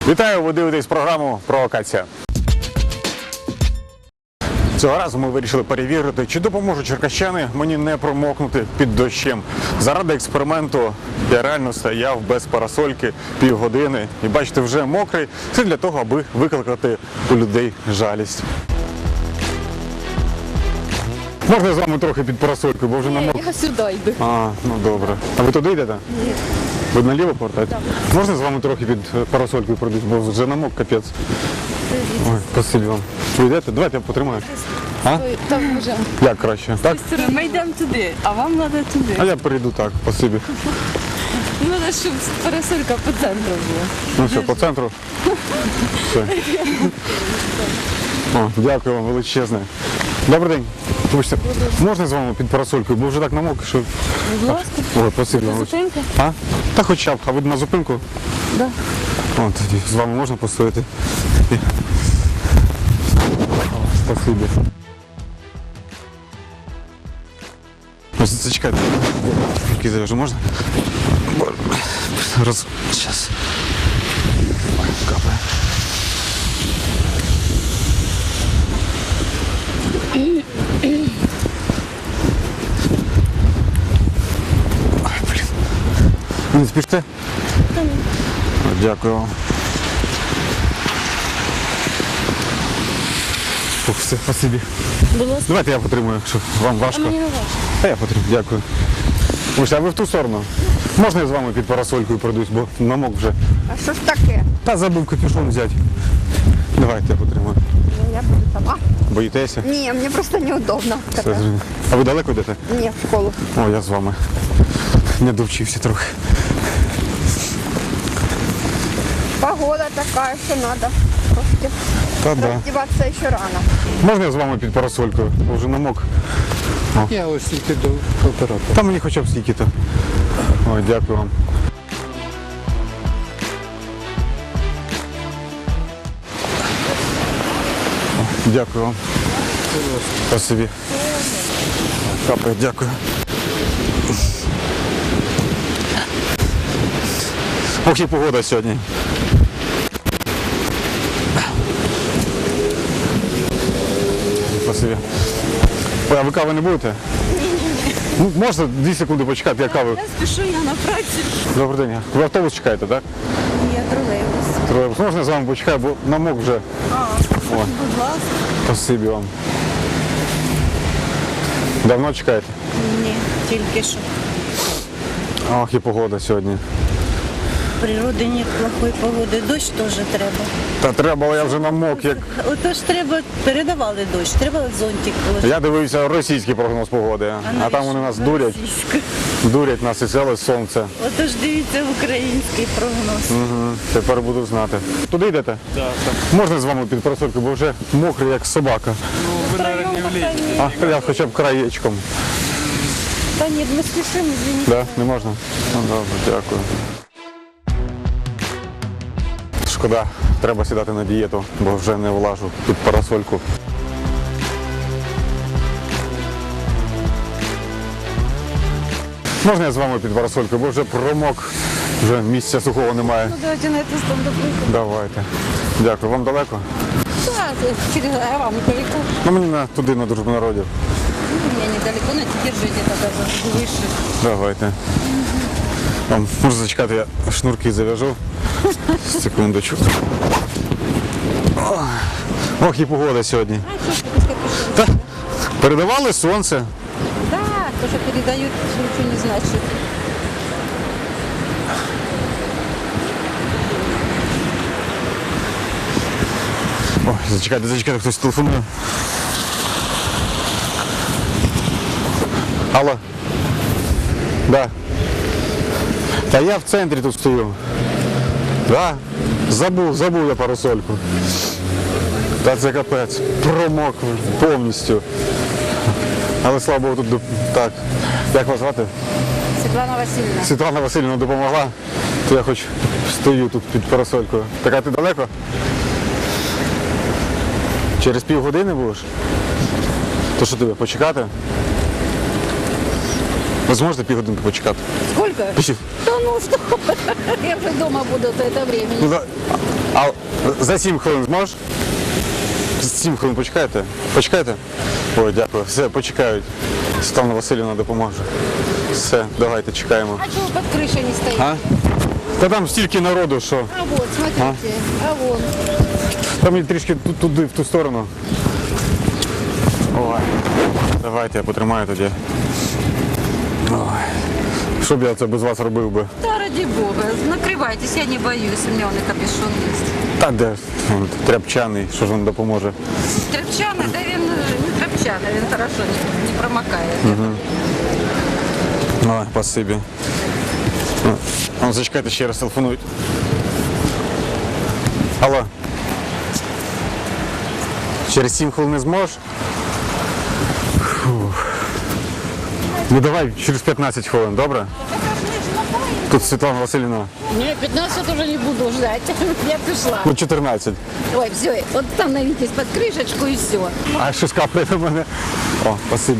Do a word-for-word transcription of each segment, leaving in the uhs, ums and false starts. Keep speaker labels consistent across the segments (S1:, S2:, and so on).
S1: Вітаю, ви дивитесь програму «Провокація». Цього разу ми вирішили перевірити, чи допоможуть черкащани мені не промокнути під дощем. Заради експерименту я реально стояв без парасольки півгодини і, бачите, вже мокрий. Це для того, аби викликати у людей жалість. Можна з вами трохи під парасолькою, бо вже намок.
S2: Я сюди йду.
S1: А, ну добре. А ви туди йдете?
S2: Ні.
S1: Ви наліво повертаєте? Так. Можна з вами трохи під парасолькою пройдуть, бо вже намок капець. Ой, спасибі вам. Ви йдете? Давайте я потримаю. А?
S2: Там може.
S1: Як краще? Так?
S2: Ми йдемо туди, а вам треба туди.
S1: А я перейду так, спасибі.
S2: Треба, щоб парасолька по центру була.
S1: Ну все, по центру. Все. О, дякую вам величезне. Добрий день. Вибачте, можна з вами під парасолькою, бо вже так намок, що...
S2: Будь ласка.
S1: Ой, спасибі вам.
S2: Зупинка?
S1: А? Та хоча б, а ви на зупинку?
S2: Так.
S1: О, тоді з вами можна постояти? Спасибі. Ось, зачекайте. Руки завяжу, можна? Роз... Щас. Ой, капає. Ой, блін. Не спіште?
S2: Та ні.
S1: Дякую вам. Фух, все, спасибі.
S2: Будь ласка.
S1: Давайте я потримую, якщо вам важко.
S2: А мені не важко.
S1: А я потримую, дякую. Ось, а ви в ту сторону? Можна я з вами під парасолькою пройдусь, бо намок вже.
S3: А що ж таке?
S1: Та забув капюшон взяти. Давайте я потримаю.
S3: Ну, я буду сама.
S1: Боїтеся?
S3: Ні, мені просто неудобно.
S1: Все, зрозуміло. А ви далеко йдете?
S3: Ні, в школу.
S1: О, я з вами. Не довчився трохи.
S3: Погода така, що треба. Трошки
S1: Та да.
S3: роздіватися ще рано.
S1: Можна я з вами під парасолькою? Бо вже намок.
S4: Я ось тільки до оператора.
S1: Та мені хоча б стільки-то. Ой, дякую вам. О, дякую вам. Спасибі. Капає, дякую. Ох, і погода сьогодні. Спасибі. Ой, а ви кави не будете? Ну, можна дві секунди почекати, я каву.
S2: Я спішу, я на праці.
S1: Добрий день. Ви автобус чекаєте, так?
S2: Я тролейбус.
S1: Тролейбус. Можна я з вами почекаю, бо намок вже.
S2: А, будь ласка.
S1: Спасибі вам. Давно чекаєте?
S5: Ні, тільки що.
S1: Ох, і погода сьогодні.
S5: В природі нет плохої погоди. Дощ теж треба.
S1: Та треба, але я вже намок, як...
S5: Отож треба, передавали дощ, треба зонтик положити.
S1: Я дивився російський прогноз погоди, а там вони нас дурять, дурять нас і ціле сонце.
S5: Отож дивіться український прогноз.
S1: Угу. Тепер буду знати. Туди йдете?
S4: Так, так.
S1: Можна з вами під парасолькою, бо вже мокрий, як собака.
S4: Ну, ви, наверное, не влізете.
S1: А, я хоча б краєчком.
S2: Та ні, ми спішимо, звініть.
S1: Да? Не можна? Ну, добре, дякую. Шкода, треба сідати на дієту, бо вже не влажу під парасольку. Можна я з вами під парасолькою, бо вже промок, вже місця сухого немає.
S2: Ну, давайте на це стан допустимо.
S1: Давайте. Дякую. Вам далеко?
S2: Так, через а вам недалеко.
S1: Ну, мені на, туди, на дружбу народів.
S2: Мне недалеко, но держите тогда выше.
S1: Давайте. Вам можна зачекати, я шнурки зав'яжу. Секундочку. Ох, Ох, і погода сьогодні.
S2: А, что ты без капюшона?
S1: Та, передавали сонце.
S2: Да, то, что передают, ничего не значит.
S1: Ой, зачекайте, зачекайте, хтось телефонує. Алло. Да. Та я в центрі тут стою. Да. Забув, забув я парасольку. Та це капець. Промок повністю. Але слава Богу, тут так. Як вас звати?
S2: Светлана Васильевна.
S1: Світлана Васильівна допомогла. То я хоч стою тут під парасолькою. Так, а ти далеко? Через півгодини будеш? То що тобі, почекати? Ви зможете півгодинки почекати?
S6: Сколько?
S1: Пів.
S6: Да ну что, я уже дома буду до этого времени.
S1: Ну, за, а за сім хвилин зможеш? Сім хвилин почекаєте? Почекаєте? Ой, дякую. Все, почекають. Світлана Васильівна допоможе. Все, давайте чекаємо.
S6: А чего под крышей не стоит?
S1: А? Та там стільки народу, що.
S6: А вот, смотрите, а, вон.
S1: Там мені трішки ту- туди, в ту сторону. Ой. Давайте я потримаю тоді. Ой. Що б я це без вас робив би?
S2: Да, ради бога, накривайтесь, я не боюсь, у меня он и капюшон есть.
S1: Та де ж, он тряпчаний, що ж він допоможе.
S2: Тряпчаный, да він не тряпчаный, він хорошо не, не промокає.
S1: Ой, спасибі. Ну, ну, зачекайте, ще раз телефонують. Алло. Через сім хвилин не зможеш? Фух. Ну давай через п'ятнадцять хвилин, добре? Тут Світлана Васильівна.
S6: Не, пятнадцать уже не буду ждать, я пришла.
S1: Ну чотирнадцять.
S6: Ой, все, вот там навитесь под крышечку и все.
S1: А що скапає на мене? О, спасибі.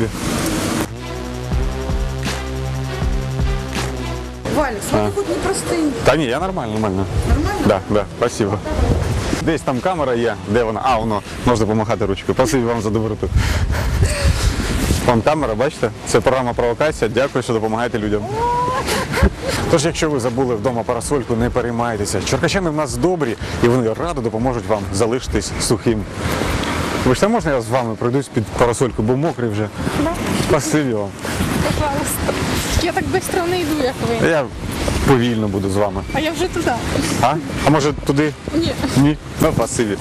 S3: Валік, смотри, хоч не простий.
S1: Та ні, я нормально, нормально. Нормально? Да, да, спасибо. Десь там камера є, де вона? А, воно, можна помахати ручкою. Спасибі вам за доброту. Вон камера, бачите? Це програма «Провокація». Дякую, що допомагаєте людям. Тож, якщо ви забули вдома парасольку, не переймайтеся. Черкащани в нас добрі, і вони радо допоможуть вам залишитись сухим. Вибачте, можна я з вами пройдусь під парасольку, бо мокрий вже? Спасибі вам.
S7: Пожалуйста. Я так быстро не йду, як ви.
S1: Я повільно буду з вами.
S7: А я вже туди.
S1: А? А може туди?
S7: Ні.
S1: Ні? Ну, спасибі.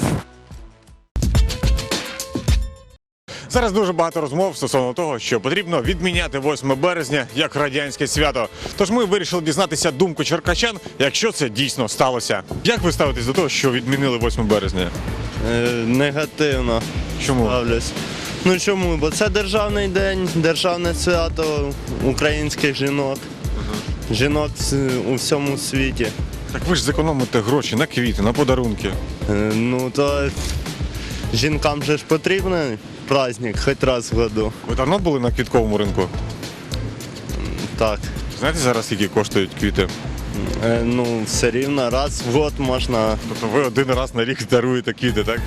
S1: Зараз дуже багато розмов стосовно того, що потрібно відміняти восьме березня як радянське свято. Тож ми вирішили дізнатися думку черкащан, якщо це дійсно сталося. Як ви ставитесь до того, що відмінили восьме березня?
S8: Е, негативно
S1: Чому?
S8: ставлюсь. Ну чому? Бо це державний день, державне свято українських жінок. Жінок з- у всьому світі.
S1: Так ви ж зекономите гроші на квіти, на подарунки.
S8: Е, ну то жінкам же ж потрібен праздник хоч раз в году.
S1: Ви давно були на квітковому ринку?
S8: Так.
S1: Знаєте зараз, скільки коштують квіти?
S8: Е, ну, все рівно раз в год можна.
S1: Тобто ви один раз на рік даруєте квіти, так?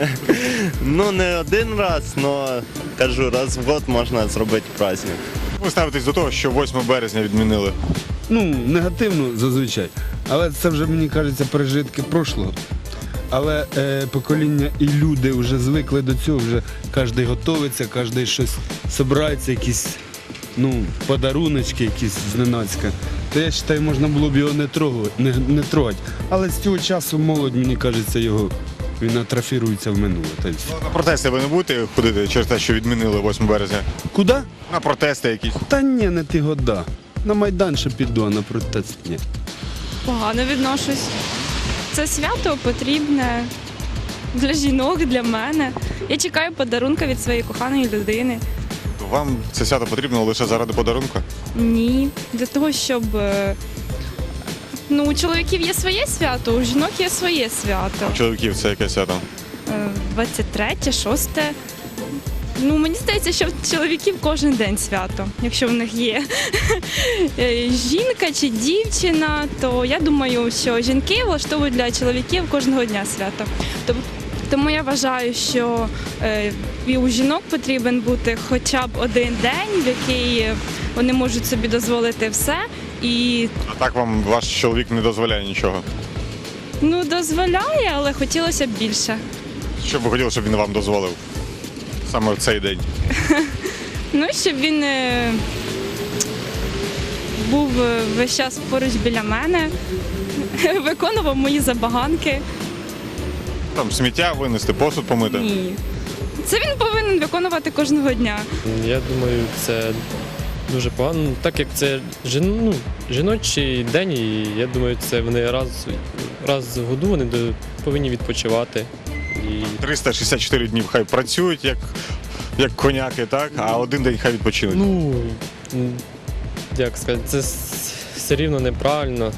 S8: Ну не один раз, але кажу, раз в год можна зробити праздник.
S1: Як ви ставитесь до того, що восьме березня відмінили?
S9: Ну, негативно зазвичай. Але це вже, мені кажеться, пережитки прошлого. Але е, покоління і люди вже звикли до цього, вже кожен готується, кожен щось збирається, якісь ну, подаруночки якісь зненацька. То я вважаю, можна було б його не трогати, не, не трогати. Але з цього часу молодь, мені кажеться, його він атрофірується в минуле. Та й все.
S1: На протести ви не будете ходити через те, що відмінили восьме березня?
S9: Куди?
S1: На протести якісь?
S9: Та ні, не ті года. На Майдан ще піду, а на протест ні.
S7: Погано відношусь. Це свято потрібне для жінок, для мене. Я чекаю подарунка від своєї коханої людини.
S1: Вам це свято потрібно лише заради подарунку?
S7: Ні, для того, щоб е, ну, у чоловіків є своє свято, у жінок є своє свято.
S1: У чоловіків це яке свято?
S7: Е, двадцять третє, шосте. Ну, мені здається, що в чоловіків кожен день свято, якщо в них є е, жінка чи дівчина, то я думаю, що жінки влаштовують для чоловіків кожного дня свято. Тоб- Тому я вважаю, що е, і у жінок потрібен бути хоча б один день, в який вони можуть собі дозволити все. І
S1: А так вам ваш чоловік не дозволяє нічого?
S7: ну, дозволяє, але хотілося б більше.
S1: Що б ви хотіли, щоб він вам дозволив? Саме в цей день.
S7: Ну, щоб він е, був е, весь час поруч біля мене, виконував мої забаганки.
S1: Там сміття винести, посуд помити.
S7: Ні. Це він повинен виконувати кожного дня.
S10: Я думаю, це дуже погано, так як це жін, ну, жіночий день, і я думаю, це вони раз, раз в году вони до- повинні відпочивати. І
S1: триста шістдесят чотири дні хай працюють, як, як коняки, так? А один день хай відпочинуть.
S10: ну, м, як сказати, це с- все рівно неправильно.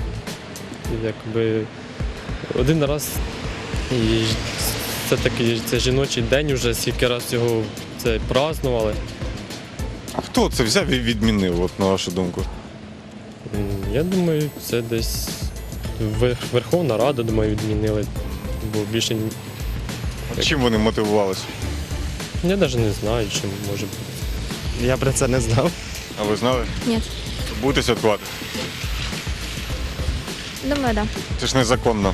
S10: Якби один раз і ж- це такий це жіночий день, вже скільки раз його це празднували.
S11: Хто це взяв і відмінив, от, на вашу думку?
S10: М, Я думаю, це десь Вер- Верховна Рада, думаю, відмінили. Бо більше ні-
S11: Чим вони мотивувалися?
S10: я навіть не знаю, чим може бути.
S8: Я про це не знав.
S11: А ви знали?
S7: Ні.
S11: Будете святкувати?
S7: Думаю, так.
S11: Це ж незаконно.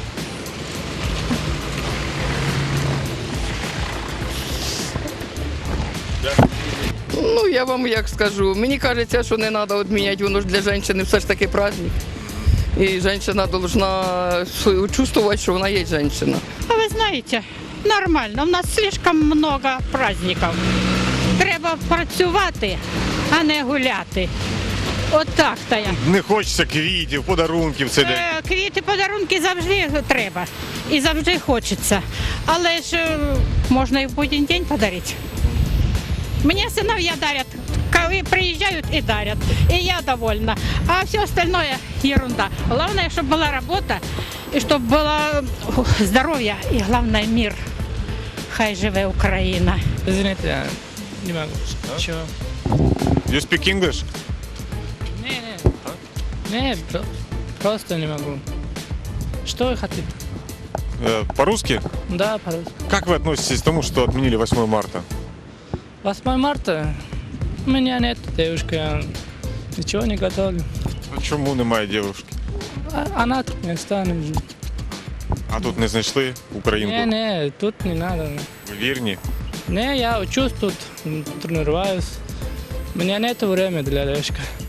S12: Ну, я вам як скажу, мені кажеться, що не треба відміняти, воно ж для жінки все ж таки праздник. І жінка повинна чувствувати, що вона є жінка.
S6: А ви знаєте, нормально, у нас слишком много праздників. Треба працювати, а не гуляти. От так то я.
S11: Не хочеться квітів, подарунків в цей день.
S6: Е, Квіти, подарунки завжди треба і завжди хочеться. Але ж е, можна і в будь-який день подарити. Мені синов'я дарять, коли приїжджають і дарять. І я довольна. А все остальное ерунда. Главное, щоб була робота, і щоб було здоров'я, і головне мир. Хай живе Україна.
S12: Извините, я не можу. Чого?
S11: You speak English?
S12: Не, не. Не, просто не могу. Что вы хотите?
S11: Э, По-русски?
S12: Да, пожалуйста.
S11: Как вы относитесь к тому, что отменили восьмое марта?
S12: восьмое марта у меня нет девушки, я ничего не готовлю.
S11: А чому немає дівчинки?
S12: А- Она тут не станет жить.
S11: А тут не знайшли українку?
S12: Не, не, тут не надо.
S11: Ви вірні?
S12: Не, я учусь тут, м, тренируюсь. У меня нет времени для девушки.